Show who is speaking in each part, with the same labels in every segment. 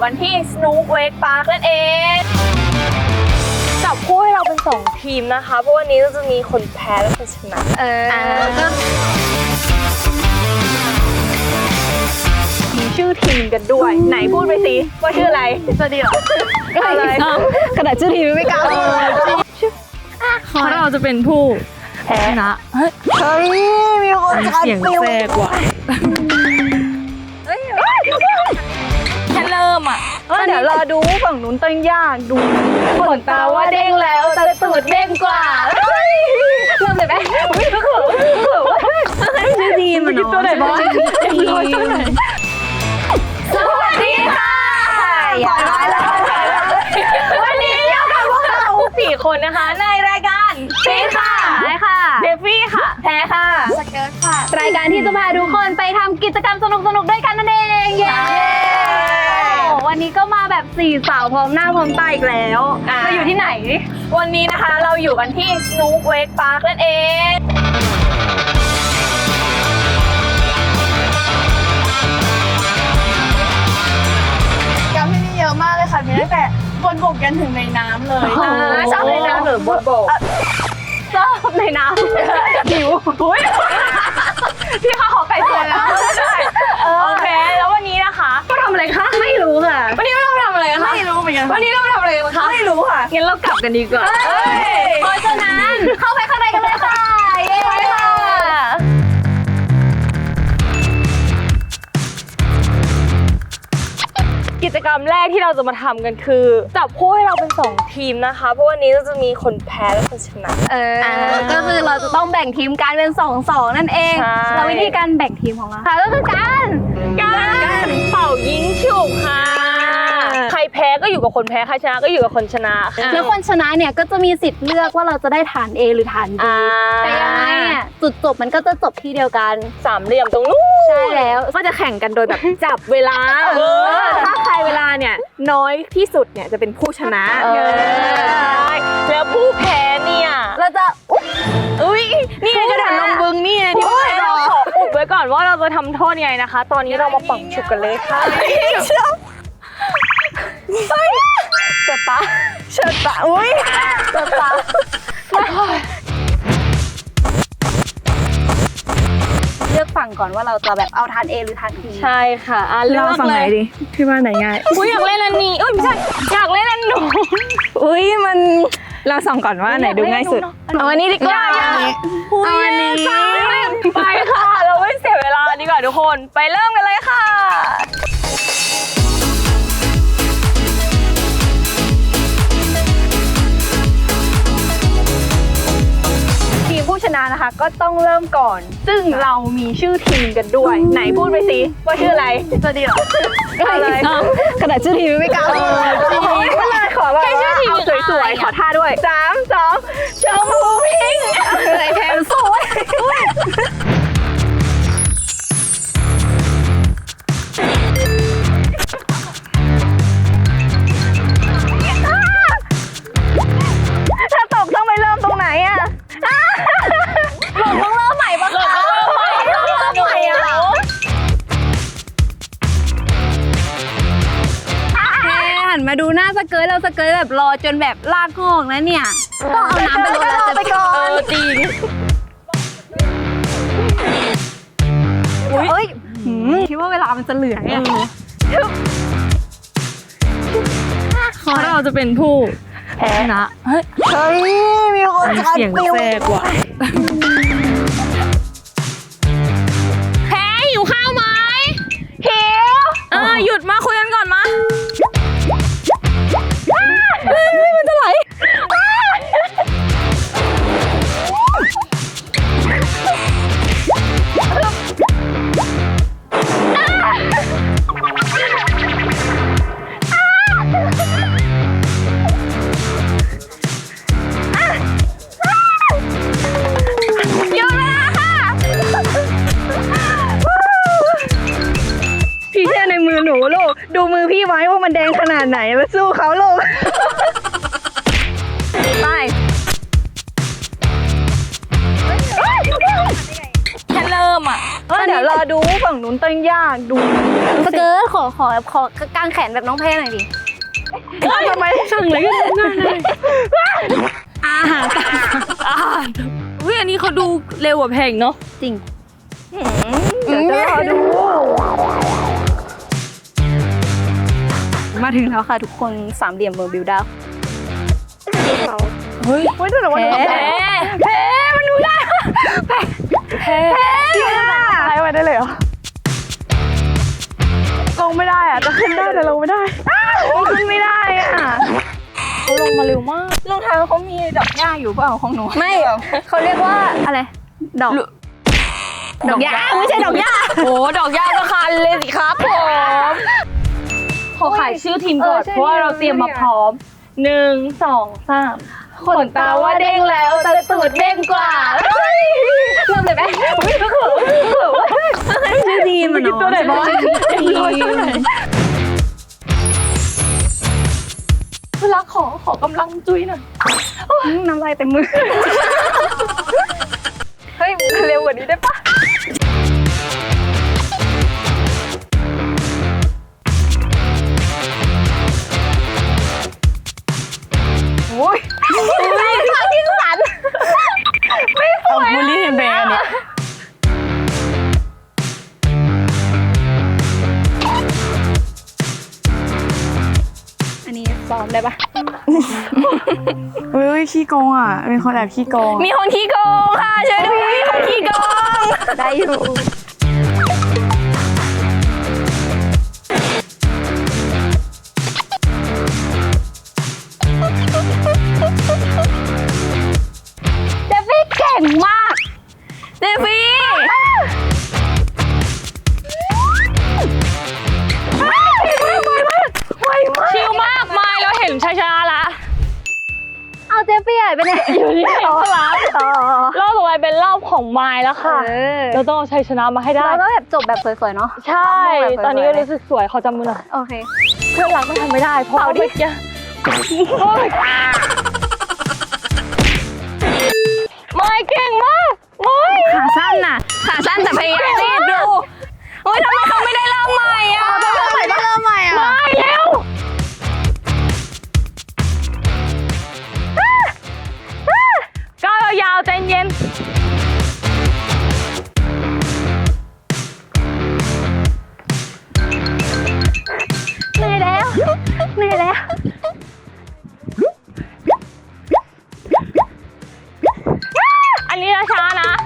Speaker 1: กันที่ Snook Wake Park นั่นเองจับคู่ให้เราเป็น2ทีมนะคะเพราะวันนี้จะมีคนแพ้และคนชนะมีชื่อทีมกันด้วยไหนพูดไปสิว่าชื่ออะไรจะดีเหรออะไรขนาดชื่อทีมไม่กล้า
Speaker 2: เพราะเราจะเป็นผู้ชนะเฮ้ย
Speaker 1: มีคน
Speaker 2: เสียงแทรกว่ะ
Speaker 1: แค่เริ่มอ่ะเดี๋ยวรอดูฝั่งนู้นต้องยากดูขนตาว่าเด้งแล้วแต่ตูดเด้งกว่าเริ่มเลยไหม
Speaker 2: ชื่อดีมันเนาะตัวไหนบ้าง
Speaker 1: สวัสดีค่ะวันนี้เรากับพวกเรา4 คนนะคะในรายการฟีค่ะใช่ค่ะเดฟี่ค่ะแพ้ค่ะสเกิร์ตค่ะรายการที่จะพาทุกคนไปทำกิจกรรมสนุกๆด้วยกันนั่นเองเย้วันนี้ก็มาแบบ4 สาวพร้อมหน้าพร้อมตาอีกแล้วเราอยู่ที่ไหนวันนี้นะคะเราอยู่กันที่ Snook Wake Park นั่นเอง
Speaker 3: กรรมที่นี่เยอะมากเลยค่ะมีตั้งแต่บนบกยันถึงในน้ำเลย
Speaker 1: ชอบในน้ำหรือบนบกชอบในน้ำหิวพี่ข้าขอไก่เตือนแล้วโอเคแล้ววันนี้นะคะก็ทำอะไรคะไม่รู้ค่ะวันนี้เราทำอะไรคะ
Speaker 3: ไม่รู้เหมือนกัน
Speaker 1: วันนี้เราทำอะไรกันคะ
Speaker 3: ไม่รู้ค่ะ
Speaker 1: งั้นเรากลับกันดีกว่าเพราะฉะนั้นเข้าไปข้างในกันเลยค่ะเย้ค่ะกิจกรรมแรกที่เราจะมาทำกันคือจับคู่ให้เราเป็น2 ทีมนะคะเพราะวันนี้จะมีคนแพ้และคนชนะ
Speaker 2: ก็คือเราจะต้องแบ่งทีมกันเป็น2-2นั่นเองเราวิธีการแบ่งทีมของเรา
Speaker 1: ค่ะก็คือการเป่ายิงฉุบค่ะใครแพ้ก็อยู่กับคนแพ้ใครชนะก็อยู่กับคนชนะ
Speaker 2: แล้วคนชนะเนี่ยก็จะมีสิทธิ์เลือกว่าเราจะได้ฐาน A หรือฐาน B แต่ยังไงเนี่ยจุดจบมันก็จะจบที่เดียวกัน
Speaker 1: 3 เหลี่ยมตรงนู้น
Speaker 2: ใช่แล้วก็จะแข่งกันโดยแบบจับเวลา
Speaker 1: ถ้าใครเวลาเนี่ยน้อยที่สุดเนี่ยจะเป็นผู้ชนะแล้วผู้แพ้เนี่ย
Speaker 2: เราจะ
Speaker 1: นี่กระดาษลงบึงนี่ที่เราขออุบไว้ก่อนว่าเราจะทำโทษยังไงนะคะตอนนี้เรามาปังฉุกกันเลยค่ะเจ็บปะเจ็บปะเจ็บปะ
Speaker 2: เลือกฝั่งก่อนว่าเราจะแบบเอาฐาน A หรือฐาน B
Speaker 1: ใช่ค่ะเลือก
Speaker 3: ฝั่งไหนดิพี่ว่าไหนง่าย
Speaker 1: อยากเล่นอันนี้ไม่ใช่อยากเล่นอันหนู
Speaker 3: มันเราส่องก่อนว่าไหนดูง่ายสุด
Speaker 1: เอาอันนี้ดีกว่า
Speaker 3: เอาอันนี้
Speaker 1: ไปค่ะเราไม่เสียเวลาดีกว่าทุกคนไปเริ่มกันเลยค่ะทีมผู้ชนะนะคะก็ต้องเริ่มก่อนซึ่งเรามีชื่อทีมกันด้วยไหนพูดไปสิว่าชื่ออะไรจะดีเหรออะไร
Speaker 3: ขนาดชื่อทีมไม่กล้า
Speaker 1: เลยขอแบบเอาสวยๆขอท่าด้วย3 2ชมพูพิงค์เลยแทนสวยถ้าตกต้องไปเริ่มตรงไหนอะหล่นต้องเริ่มใหม่ปะคะ
Speaker 2: หันมาดูหน้าสเกิร์ตเราสเกิร์ตแบบรอจนแบบลากงอกนะเนี่ยต้องเอาน้ำไปรดแล้ว
Speaker 1: ไปก่อนจริง
Speaker 2: คิดว่าเวลามันจะเหลือเนี่ยเพราะเราจะเป็นผู้ชนะ
Speaker 3: เฮ้ยมีคน
Speaker 2: เสียงแทรกว่ะ
Speaker 1: แพ้หิวข้าวไหมหิวหยุดมาคุยกันก่อนมามันจะไหล
Speaker 3: ดูมือพี่ไว้ว่ามันแดงขนาดไหนแล้วสู้เขาลูก
Speaker 1: ไปแค่เริ่มมอ่ะเดี๋ยวรอดูฝั่งนู้นตั้งยากดู
Speaker 2: สเกิร์ตขอกางแขนแบบน้องแพรหน่อยดิ
Speaker 1: ทำไมสั่งเลยก็ได้เลยอาหารวิอันนี้เขาดูเร็วกว่าเพลงเนาะ
Speaker 2: จริง
Speaker 1: เดี๋ยวจะรอดู
Speaker 2: มาถึงแล้วค่ะทุกคนสามเหลี่ยมเบอร์บิวดาว
Speaker 1: เฮ้ยไม่ได้หรอว่าแพ้มันดูได้แพ้ใช้ไว้ได้เลยเหรอลงไม่ได้อ่ะจะขึ้นได้แต่ลงไม่ได้ขึ้นไม่ได้อ่ะเขาลงมาเร็วมากรองเท้าเขามีดอกหญ้าอยู่เปล่าของหนู
Speaker 2: ไม่เขาเรียกว่าอะไรดอกหญ้าไม่ใช่ดอกหญ้า
Speaker 1: โอ้ดอกหญ้าก็คันเลยสิครับผมขอขายชื่อทีมก่อนเพราะว่าเราเตรียมมาพร้อม1 2 3ขนตาว่าเด้งแล้วแต่ตูดเด้งกว่าเริ่มเลยไหมชื่อดีมันเนาะตัวไหนบ้างเวลาขอกำลังจุ้ยหน่อย
Speaker 2: น้ำลายเต็มมือ
Speaker 1: เฮ้ยเร็วกว่านี้ได้ปะโอ้ยขาที่สันไม่สวยบูลลี่แบรนด์เนี่ย
Speaker 2: อันนี้ซ้อมได้ปะ
Speaker 3: เฮ้ยขี้โกงอ่ะเป็นคนแอบขี้โกง
Speaker 1: มีคนขี้โกงค่ะช่วยด้วยมีคนขี้โกง
Speaker 2: ได้อยู่เดฟฟี่เก่งมาก
Speaker 1: เดฟี่ชิลมากไม่เราเห็นช้าๆละ
Speaker 2: เอาเจฟฟี่หายไปไหน
Speaker 1: อยู่ที่ไหนคะรอบต่อไปเป็นรอบของไมล์แล้วค่ะ เราต้องเอาชัยชนะมาให้ได้
Speaker 2: เราก็แบบจบแบบสวยๆเนาะ
Speaker 1: ใช่ ตอนนี้ก็รู้สึกสวยขอจับมือหน่อย
Speaker 2: โอเค
Speaker 1: เพื่อนรักไม่ทำไม่ได้เพราะเมื่อกี้ไม่เก่งมากไม่
Speaker 2: ขาสั้นน่ะ
Speaker 1: ขาสั้นแต่พยายามรีบดูโอ้ยทำไมเขาไม่ได้เริ่มใหม่อ่ะ
Speaker 3: เริ่มใหม่ก็เริ่มใหม่อ่ะ
Speaker 1: ไม่เร็วก้าวยาวๆใจเย็น
Speaker 2: เหนื่อยแล้วเหนื่อยแล้ว
Speaker 1: อันนี้ช้าๆนะ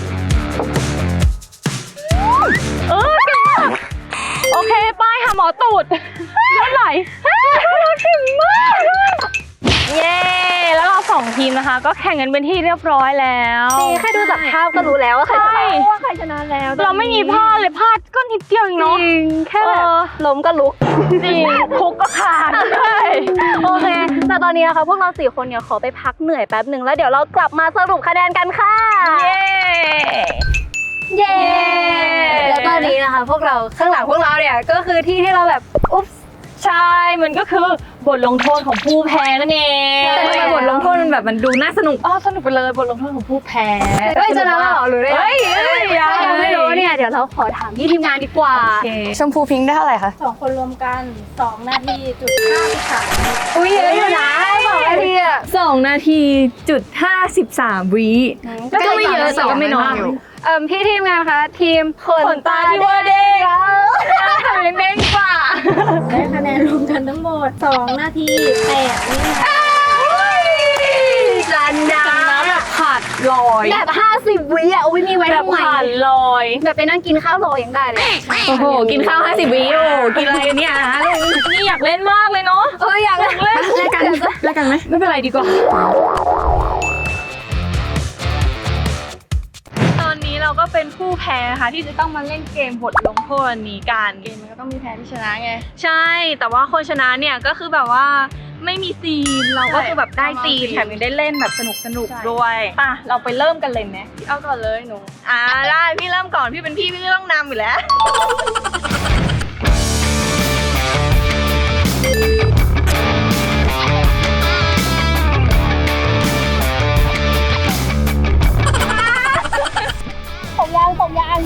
Speaker 1: เก่งมากโอเคป้ายหาหมอตูดเลือดไหลเก่งมากเย้แล้วเรา2 ทีมนะคะ ก็แข่งกันเป็นที่เรียบร้อยแล้ว
Speaker 2: แค่ดูจากภาพก็รู้แล้วว่าใครชนะว่าใครชนะแล้ว
Speaker 1: เราไม่มีพลาดเลยพลาดก็นิดเดียวเองเนาะ
Speaker 2: แค่แบบล้มก็ลุก
Speaker 1: จริงคุกก็ขาดใช่
Speaker 2: โอเค แต่ตอนนี้นะคะพวกเรา4 คนเนี่ยขอไปพักเหนื่อยแป๊บหนึ่งแล้วเดี๋ยวเรากลับมาสรุปคะแนนกันค่ะ
Speaker 1: เย้
Speaker 2: เย้ แล้วตอนนี้นะคะพวกเราข้างหลังพวกเราเนี่ยก็คือที่ที่เราแบบอุ๊บ
Speaker 1: ใช่มันก็คือบทลงโทษของผู้แพ้นั่นเอง
Speaker 2: แต่ทำไมบทลงโทษมันแบบมันดูน่าสนุก
Speaker 1: สนุกไปเลยบทลงโทษของผู้แพ้
Speaker 2: เฮ้ยจะนะหรอหรือได้
Speaker 1: เฮ้ย
Speaker 2: ยังไม่รู้เนี่ยเดี๋ยวเราขอถามพี่ทีมงานดีกว่า
Speaker 3: ชมพูพิงค์ได้เท่าไหร่คะ
Speaker 4: 2 คนรวมกัน 2 นาทีจุด53
Speaker 2: อุ้ยเยอะอยู่นะ2 นาทีอะ
Speaker 1: 2 นาทีจุด53 วิ
Speaker 2: ก็ไม่เยอะแต่ก็ไม่น้อยพี่ทีมงานคะทีมขนตาที่ว่าเด็ก
Speaker 1: เด้งกว่า
Speaker 4: ได้คะแนนรวมกันทั้งหมด 2 นาที 8 วินาที
Speaker 2: จันดา
Speaker 1: น้ำแบบขาดลอย
Speaker 2: แบบ50 วิอ่ะอุ้ยมีไว้
Speaker 1: แบบ
Speaker 2: ทำไม
Speaker 1: ขาดลอย
Speaker 2: แบบไปนั่งกินข้าวรอยังได้เลย
Speaker 1: โอ้โหกินข้าว50 วิโอ้กินอะไรกันเนี่ยนี่อยากเล่นมากเลยเนาะ
Speaker 2: อยากเล่น
Speaker 3: แลกกันไหม
Speaker 1: ไม่เป็นไรดีกว่าตอนนี้เราก็เป็นผู้แพ้ค่ะที่จะต้องมาเล่นเกมบทลงโทษอันนี้กันเกมมันก็ต้องมีแพ้ที่ชนะไงใช่แต่ว่าคนชนะเนี่ยก็คือแบบว่าไม่มีซีนเราก็คือแบบได้ซีนแถมยังได้เล่นแบบสนุกด้วยป่ะเราไปเริ่มกันเลยไหมเอาก่อนเลยหนูได้พี่เริ่มก่อนพี่เป็นพี่ก็ต้องนำอยู่แล้วผม
Speaker 2: ยาง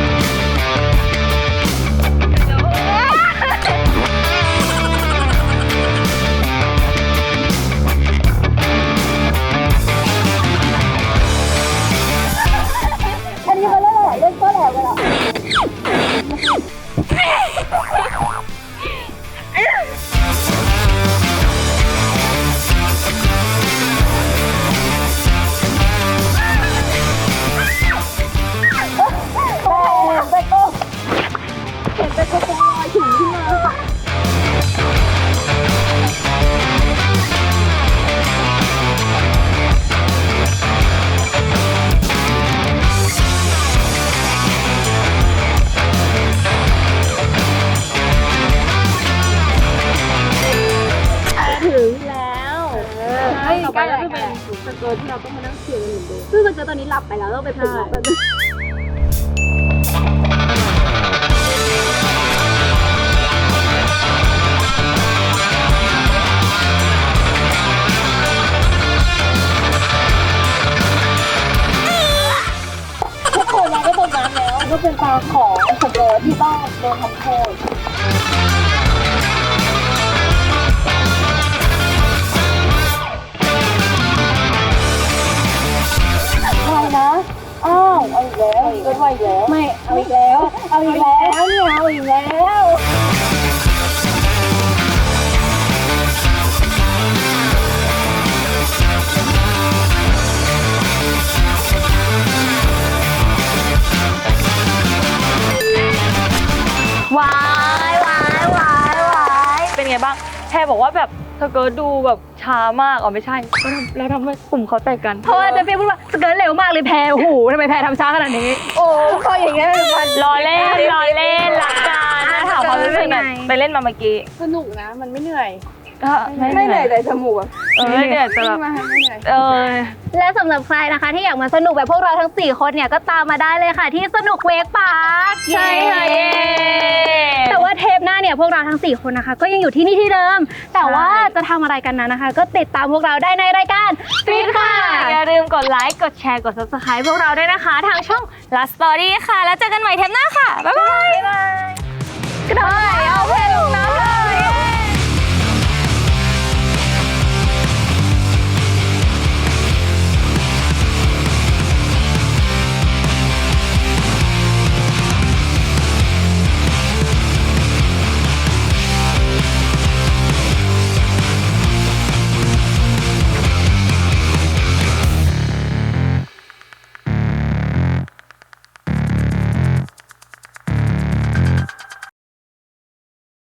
Speaker 2: อันนี้มันเล่นอะไรเล่นก็แหลกเลยเหรอต่อไปก็จะเป็นสเกิร์ตที่เราต้องมานั่งเขียนกันเหมือนเดิมซึ่งสเกิร์ตตอนนี้หลับไปแล้วต้องไปปลุกมันทุกคนมาก็ตรงนั้นแล้วก็เป็นตาของสเกิร์ตที่ต้องโดนทำโทษอ้าวเอาอีกแล้วก็ไหวแล้วไม่เอาอีกแล้วเอาอีกแล้วเนี่ยเอาอีกแล้ว
Speaker 1: วายวายเป็นไงบ้างแพรบอกว่าแบบสเกิร์ตดูแบบช้ามากอ๋อไม่ใช่เราทำให้กลุ่มเขาแตกกันเพราะว่าจะพี่พูดว่าสเกิร์ตเร็วมากเลยแพรโอ้โหทำไมแพรทำช้าขนาดนี้โอ้พออย่างเงี้ยรอเล่นรักกันถามความรู้สึกหน่อยไปเล่นมาเมื่อกี้
Speaker 3: สนุกนะมันไม่เหนื่อย
Speaker 1: ไม่เหนื่อยแต่จมูกไม่เหนื่อยแต่แบบ
Speaker 2: และสำหรับใครนะคะที่อยากมาสนุกแบบพวกเราทั้ง4คนเนี่ยก็ตามมาได้เลยค่ะที่สนุกเวกพาร์คใช่ค่ะแต่ว่าเทปหน้าเนี่ยพวกเราทั้ง4คนนะคะก็ยังอยู่ที่นี่ที่เดิมแต่ว่าจะทำอะไรกันนั้นนะคะก็ติดตามพวกเราได้ในรายการฟิตค่ะ
Speaker 1: อย่าลืมกดไลค์กดแชร์กด Subscribe พวกเราด้วยนะคะทางช่อง Last Story ค่ะแล้วเจอกันใหม่เทปหน้า